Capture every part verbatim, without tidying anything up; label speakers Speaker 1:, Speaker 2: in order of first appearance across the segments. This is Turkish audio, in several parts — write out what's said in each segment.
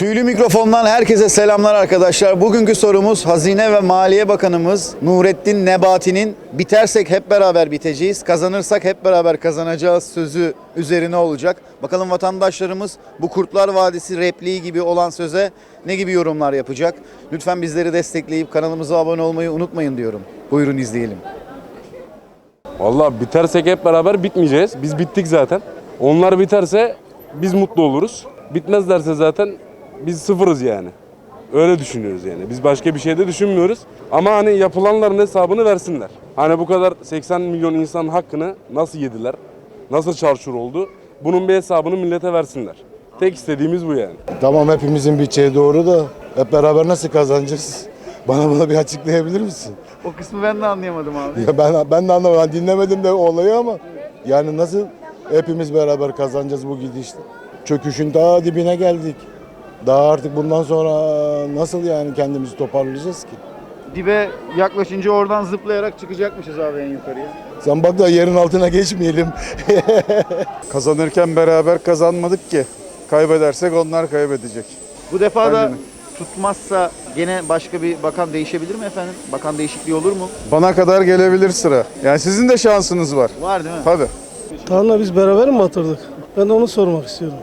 Speaker 1: Tüylü mikrofondan herkese selamlar arkadaşlar. Bugünkü sorumuz Hazine ve Maliye Bakanımız Nurettin Nebati'nin bitersek hep beraber biteceğiz, kazanırsak hep beraber kazanacağız sözü üzerine olacak. Bakalım vatandaşlarımız bu Kurtlar Vadisi repliği gibi olan söze ne gibi yorumlar yapacak? Lütfen bizleri destekleyip kanalımıza abone olmayı unutmayın diyorum. Buyurun izleyelim.
Speaker 2: Vallahi bitersek hep beraber bitmeyeceğiz. Biz bittik zaten. Onlar biterse biz mutlu oluruz. Bitmezlerse zaten biz sıfırız yani. Öyle düşünüyoruz yani. Biz başka bir şey de düşünmüyoruz. Ama hani yapılanların hesabını versinler. Hani bu kadar seksen milyon insanın hakkını nasıl yediler? Nasıl çarçur oldu? Bunun bir hesabını millete versinler. Tek istediğimiz bu yani.
Speaker 3: Tamam, hepimizin bütçeye doğru da hep beraber nasıl kazanacağız? Bana bunu bir açıklayabilir misin?
Speaker 1: O kısmı ben de anlayamadım abi.
Speaker 3: Ya ben ben de anlamadım. Ben dinlemedim de olayı ama yani nasıl hepimiz beraber kazanacağız bu gidişle? Çöküşün daha dibine geldik. Daha artık bundan sonra nasıl yani kendimizi toparlayacağız ki?
Speaker 1: Dibe yaklaşınca oradan zıplayarak çıkacakmışız abi en yukarıya.
Speaker 3: Sen bak da yerin altına geçmeyelim.
Speaker 4: Kazanırken beraber kazanmadık ki. Kaybedersek onlar kaybedecek.
Speaker 1: Bu defa da
Speaker 4: Bence de.
Speaker 1: tutmazsa gene başka bir bakan değişebilir mi efendim? Bakan değişikliği olur mu?
Speaker 4: Bana kadar gelebilir sıra. Yani sizin de şansınız var.
Speaker 1: Var değil mi?
Speaker 4: Tabii.
Speaker 5: Tanrı'la biz beraber mi batırdık? Ben de onu sormak istiyorum.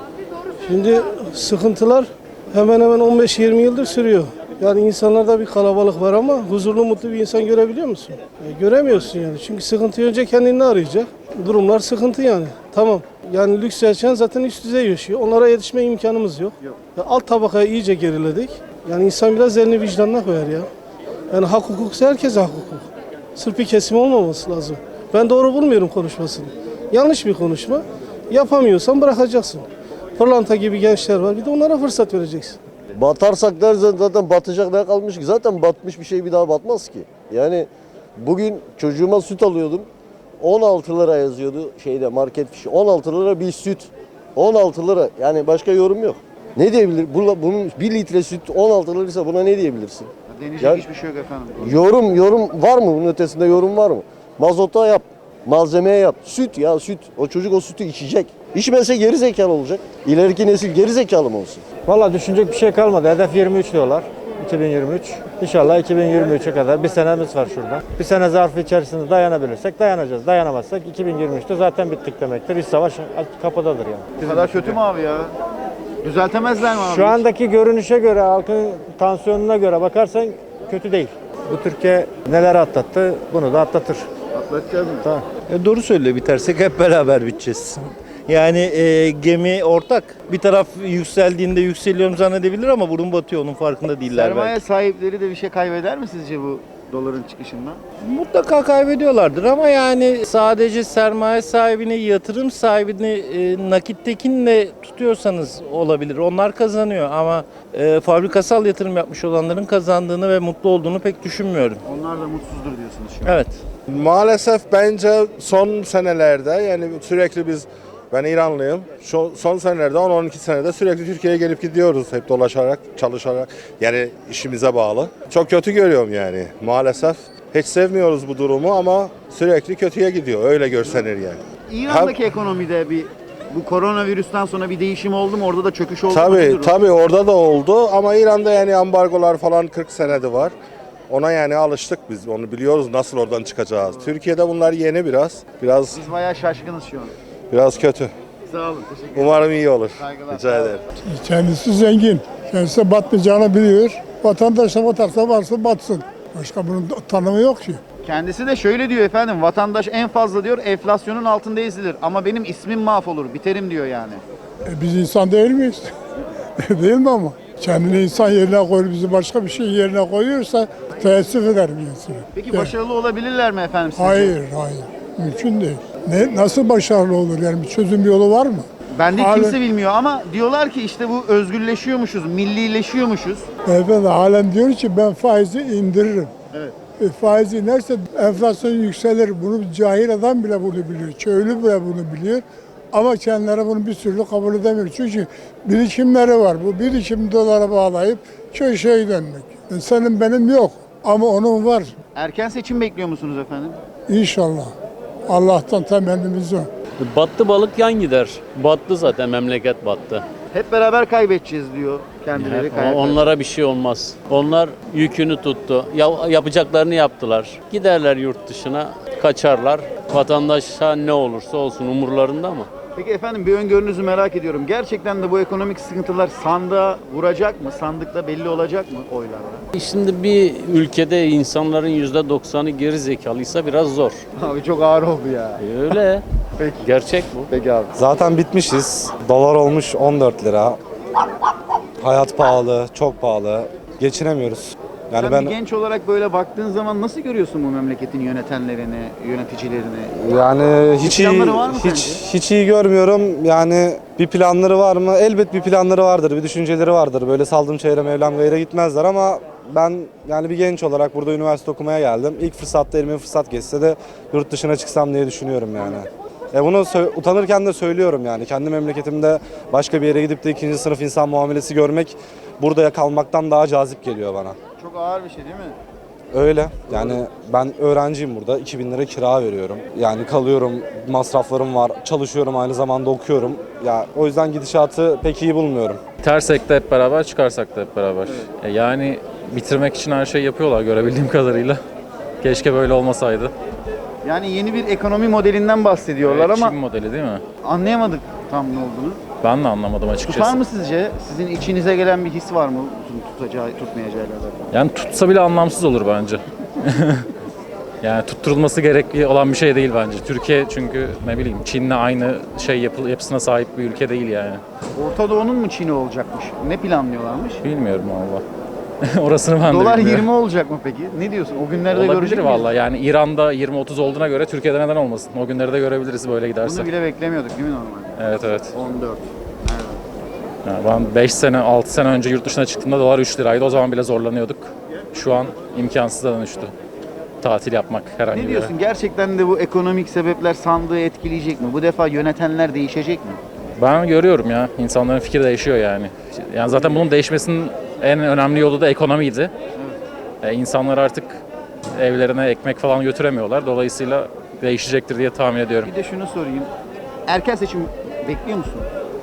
Speaker 5: Şimdi sıkıntılar hemen hemen on beş yirmi yıldır sürüyor. Yani insanlarda bir kalabalık var ama huzurlu, mutlu bir insan görebiliyor musun? E, göremiyorsun yani. Çünkü sıkıntıyı önce kendini arayacak. Durumlar sıkıntı yani. Tamam. Yani lüks yaşayan zaten üst düzey yaşıyor. Onlara yetişme imkanımız yok.
Speaker 1: Yok.
Speaker 5: Ya alt tabakaya iyice geriledik. Yani insan biraz elini vicdanına koyar ya. Yani hak hukuksa herkese hak hukuk. Sırf bir kesim olmaması lazım. Ben doğru bulmuyorum konuşmasını. Yanlış bir konuşma. Yapamıyorsan bırakacaksın. Pırlanta gibi gençler var. Bir de onlara fırsat vereceksin.
Speaker 6: Batarsak dersen zaten batacak ne kalmış ki? Zaten batmış bir şey bir daha batmaz ki. Yani bugün çocuğuma süt alıyordum. on altı lira yazıyordu şeyde market fişi. on altı lira bir süt. on altı lira. Yani başka yorum yok. Ne diyebilir? Bunun bir litre süt on altı liraysa buna ne diyebilirsin?
Speaker 1: Deneyecek
Speaker 6: Ya-
Speaker 1: hiçbir şey yok efendim.
Speaker 6: Yorum yorum var mı? Bunun ötesinde yorum var mı? Mazota yap. Malzemeye yap. Süt ya süt. O çocuk o sütü içecek. İçmese geri zekalı olacak. İleriki nesil geri zekalı mı olsun?
Speaker 7: Valla düşünecek bir şey kalmadı. Hedef yirmi üç diyorlar. iki bin yirmi üç. İnşallah iki bin yirmi üçe kadar bir senemiz var şurada. Bir sene zarfı içerisinde dayanabilirsek dayanacağız. Dayanamazsak iki bin yirmi üçte zaten bittik demektir. İç savaş kapıdadır yani.
Speaker 1: Bu kadar kötü mü abi ya? Düzeltemezler mi abi?
Speaker 7: Şu andaki görünüşe göre, halkın tansiyonuna göre bakarsan kötü değil. Bu Türkiye neler atlattı, bunu da atlatır.
Speaker 1: Atlatacağız mı?
Speaker 7: Tamam.
Speaker 8: E, Doğru söylüyor, bitersek hep beraber biteceğiz. Yani e, gemi ortak. Bir taraf yükseldiğinde yükseliyorum zannedebilir ama burun batıyor, onun farkında değiller
Speaker 1: Sermaye
Speaker 8: belki.
Speaker 1: sahipleri de bir şey kaybeder mi sizce bu doların çıkışından?
Speaker 8: Mutlaka kaybediyorlardır ama yani sadece sermaye sahibini, yatırım sahibini e, nakittekinle tutuyorsanız olabilir. Onlar kazanıyor ama e, fabrikasal yatırım yapmış olanların kazandığını ve mutlu olduğunu pek düşünmüyorum.
Speaker 1: Onlar da mutsuzdur diyorsunuz şu an.
Speaker 8: Evet.
Speaker 9: Maalesef bence son senelerde yani sürekli biz, ben İranlıyım, şu son senelerde on on iki senede sürekli Türkiye'ye gelip gidiyoruz hep dolaşarak, çalışarak, yani işimize bağlı. Çok kötü görüyorum yani maalesef. Hiç sevmiyoruz bu durumu ama sürekli kötüye gidiyor, öyle görsenir yani.
Speaker 1: İran'daki ekonomide bir bu koronavirüsten sonra bir değişim oldu mu? Orada da çöküş oldu mu?
Speaker 9: Tabii
Speaker 1: Nedir o?
Speaker 9: tabii orada da oldu ama İran'da yani ambargolar falan kırk senede var. Ona yani alıştık biz, onu biliyoruz nasıl oradan çıkacağız. Türkiye'de bunlar yeni biraz, biraz
Speaker 1: Biz bayağı şaşkınız şu an.
Speaker 9: biraz kötü.
Speaker 1: Sağ olun, teşekkür ederim.
Speaker 9: Umarım iyi olur.
Speaker 1: Saygılar.
Speaker 9: Rica ederim.
Speaker 10: Kendisi zengin. Kendisi batmayacağını biliyor. Vatandaş da batarsa varsa batsın. Başka bunun tanımı yok ki.
Speaker 1: Kendisi de şöyle diyor efendim, vatandaş en fazla diyor enflasyonun altında ezilir ama benim ismim mahvolur, biterim diyor yani.
Speaker 10: E biz insan değil miyiz? Değil mi ama? Kendini insan yerine koyup bizi başka bir şey yerine koyuyorsa teessüf ederim yani.
Speaker 1: Peki
Speaker 10: Evet.
Speaker 1: başarılı olabilirler mi efendim sizce?
Speaker 10: Hayır, hayır. Mümkün değil. Ne, nasıl başarılı olur yani? Bir çözüm yolu var mı?
Speaker 1: Ben de
Speaker 10: Halen-
Speaker 1: kimse bilmiyor ama diyorlar ki işte bu özgürleşiyormuşuz, millileşiyormuşuz.
Speaker 10: Beyefendi halen diyor ki ben faizi indiririm.
Speaker 1: Evet.
Speaker 10: E, faiz inerse enflasyon yükselir. Bunu cahil adam bile bunu biliyor. Köylü bile bunu biliyor. Ama kendileri bunu bir türlü kabul edemiyor. Çünkü birikimleri var. Bu birikim dolara bağlayıp köşeye dönmek. E, senin benim yok ama onun var.
Speaker 1: Erken seçim bekliyor musunuz efendim?
Speaker 10: İnşallah. Allah'tan temennimiz o.
Speaker 11: Battı balık yan gider. Battı zaten, memleket battı.
Speaker 1: Hep beraber kaybedeceğiz diyor kendileri.
Speaker 11: Ama onlara bir şey olmaz. Onlar yükünü tuttu. Ya, yapacaklarını yaptılar. Giderler yurt dışına, kaçarlar. Vatandaşa ne olursa olsun umurlarında mı?
Speaker 1: Peki efendim bir öngörünüzü merak ediyorum. Gerçekten de bu ekonomik sıkıntılar sandığa vuracak mı? Sandıkta belli olacak mı oylarla?
Speaker 11: Şimdi bir ülkede insanların yüzde doksanı geri zekalıysa biraz zor.
Speaker 1: Abi çok ağır oldu ya.
Speaker 11: E öyle.
Speaker 1: Peki.
Speaker 11: Gerçek bu.
Speaker 1: Peki abi.
Speaker 12: Zaten bitmişiz. Dolar olmuş on dört lira. Hayat pahalı, çok pahalı. Geçinemiyoruz. Yani
Speaker 1: Sen
Speaker 12: ben
Speaker 1: bir genç olarak böyle baktığın zaman nasıl görüyorsun bu memleketin yönetenlerini, yöneticilerini?
Speaker 12: yani hiç iyi
Speaker 1: planları var mı
Speaker 12: hiç
Speaker 1: sence?
Speaker 12: hiç iyi görmüyorum. Yani bir planları var mı? Elbet bir planları vardır, bir düşünceleri vardır. Böyle saldım çevrem Mevlam gayre gitmezler ama ben yani bir genç olarak burada üniversite okumaya geldim. İlk fırsatta elime fırsat geçse de yurt dışına çıksam diye düşünüyorum yani. E bunu sö- utanırken de söylüyorum yani. Kendi memleketimde başka bir yere gidip de ikinci sınıf insan muamelesi görmek burada kalmaktan daha cazip geliyor bana.
Speaker 1: Çok ağır bir şey değil mi?
Speaker 12: Öyle. Yani ben öğrenciyim burada. iki bin lira kira veriyorum. Yani kalıyorum, masraflarım var. Çalışıyorum, aynı zamanda okuyorum. Ya o yüzden gidişatı pek iyi bulmuyorum.
Speaker 13: Bitersek de hep beraber, çıkarsak da hep beraber. E yani bitirmek için her şeyi yapıyorlar görebildiğim kadarıyla. Keşke böyle olmasaydı.
Speaker 1: Yani yeni bir ekonomi modelinden bahsediyorlar
Speaker 13: Evet,
Speaker 1: ama
Speaker 13: Çin modeli değil mi?
Speaker 1: anlayamadık tam ne olduğunu.
Speaker 13: Ben de anlamadım açıkçası.
Speaker 1: Tutar mı sizce? Sizin içinize gelen bir his var mı tutacağı, tutmayacağı ile alakalı?
Speaker 13: Yani tutsa bile anlamsız olur bence. Yani tutturulması gerekli olan bir şey değil bence. Türkiye çünkü ne bileyim Çin'le aynı şey yapı, yapısına sahip bir ülke değil yani.
Speaker 1: Orta Doğu'nun mu Çin'i olacakmış? Ne planlıyorlarmış?
Speaker 13: Bilmiyorum valla. Orasını ben de
Speaker 1: Dolar
Speaker 13: bilmiyorum.
Speaker 1: yirmi olacak mı peki? Ne diyorsun? O günlerde
Speaker 13: Olabilir
Speaker 1: görecek miyiz?
Speaker 13: valla. Yani İran'da yirmi otuz olduğuna göre Türkiye'de neden olmasın? O günleri de görebiliriz böyle giderse.
Speaker 1: Bunu bile beklemiyorduk değil mi normalde?
Speaker 13: Evet evet.
Speaker 1: on dört.
Speaker 13: Yani ben beş sene, altı sene önce yurt dışına çıktığımda dolar üç liraydı. O zaman bile zorlanıyorduk. Şu an imkansıza dönüştü. Tatil yapmak herhangi
Speaker 1: Ne
Speaker 13: bir yere.
Speaker 1: diyorsun? Gerçekten de bu ekonomik sebepler sandığı etkileyecek mi? Bu defa yönetenler değişecek mi?
Speaker 13: Ben görüyorum ya. İnsanların fikri değişiyor yani. Yani zaten bunun değişmesinin en önemli yolu da ekonomiydi. E, insanlar artık evlerine ekmek falan götüremiyorlar. Dolayısıyla değişecektir diye tahmin ediyorum.
Speaker 1: Bir de şunu sorayım. Erken seçim bekliyor musun?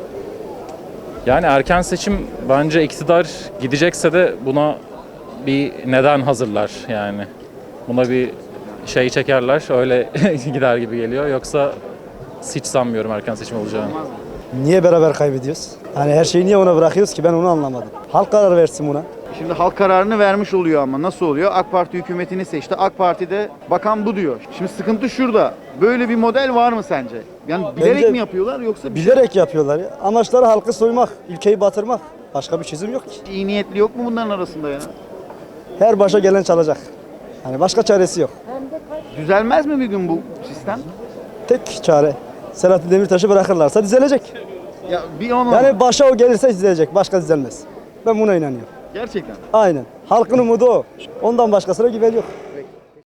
Speaker 13: Yani erken seçim bence iktidar gidecekse de buna bir neden hazırlar yani. Buna bir şey çekerler, öyle gider gibi geliyor. Yoksa hiç sanmıyorum erken seçim olacağını.
Speaker 14: Niye beraber kaybediyoruz? Hani her şeyi niye ona bırakıyoruz ki ben onu anlamadım. Halk karar versin buna.
Speaker 1: Şimdi halk kararını vermiş oluyor ama nasıl oluyor? AK Parti hükümetini seçti. AK Parti'de bakan bu diyor. Şimdi sıkıntı şurada. Böyle bir model var mı sence? Yani bilerek
Speaker 14: Bence
Speaker 1: mi yapıyorlar yoksa bir
Speaker 14: Bilerek yapıyorlar ya. Amaçları halkı soymak, ülkeyi batırmak. Başka bir çözüm yok ki.
Speaker 1: şey, iyi niyetli yok mu bunların arasında ya?
Speaker 14: Her başa gelen çalacak. Hani başka çaresi yok.
Speaker 1: Düzelmez mi bir gün bu sistem?
Speaker 14: Tek çare Selahattin Demirtaş'ı bırakırlarsa düzelecek.
Speaker 1: Ya bir onu
Speaker 14: Yani başa o gelirse düzelecek. Başka düzelmez. Ben buna inanıyorum.
Speaker 1: gerçekten.
Speaker 14: Aynen. Halkın umudu o. Ondan başkasına güven yok.